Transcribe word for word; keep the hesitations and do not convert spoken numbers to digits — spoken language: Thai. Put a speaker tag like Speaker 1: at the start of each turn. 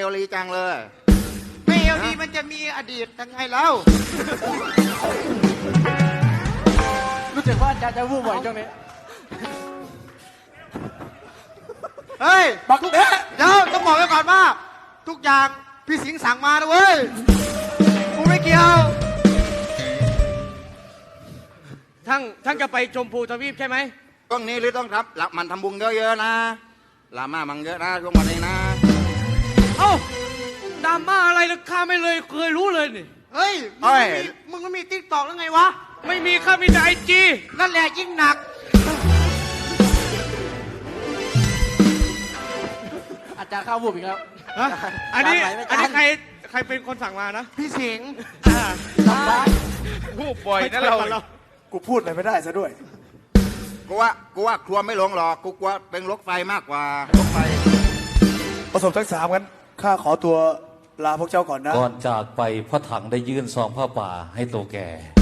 Speaker 1: ลีจังเลย
Speaker 2: ไม่เอลดีมันจะมีอดีตยังไงแล้ว
Speaker 3: รู้สึกว่าจะจะวูบบ่อยช่วงนี้
Speaker 2: เฮ้ย
Speaker 3: บักเอ๊ะ
Speaker 2: เดี๋ยวต้องบอกไว้ก่อนว่า ทุกอย่างพี่สิงห์สั่งมานะเว้ยกูไม่เกี่ยว
Speaker 4: ทั้งทั้งจะไปชมพูทวีปใช่ไหม
Speaker 1: ช่วงนี้หรือต้องครับหลับมันทำบุญเยอะๆนะลามามังเยอะนะช่วงวันนี้นะ
Speaker 4: เอ้าดราม่าอะไรนะข้าไม่เลยเคยรู้เลยนี่
Speaker 2: เฮ้ย มึงไม่มีมึงไม่มีติ๊กตอกแล้วไงวะ
Speaker 4: ไม่มีข้ามีแต่ไอจี
Speaker 2: นั่นแหละยิ่งหนัก
Speaker 3: อาจารย์เข้าวูบอีกแล้ว
Speaker 4: อันนี้
Speaker 3: ตามไหลไม่ทัน
Speaker 4: อันนี้ใครใครเป็นคนสั่งมานะ
Speaker 2: พี่สิงห์
Speaker 3: ลำบาก
Speaker 4: พูดบ่อยนะเรา
Speaker 5: กูพูดอะไรไม่ได้ซะด้วย
Speaker 1: กูว่ากูว่าครัวไม่ลงหรอกกูกลัวเป็นรถไฟมากกว่ารถไฟ
Speaker 5: ผสมทั้งสามกันข้าขอตัวลาพวกเจ้าก่อนนะ
Speaker 6: ก่อนจากไปพระถังได้ยื่นซองผ้าป่าให้โตแก่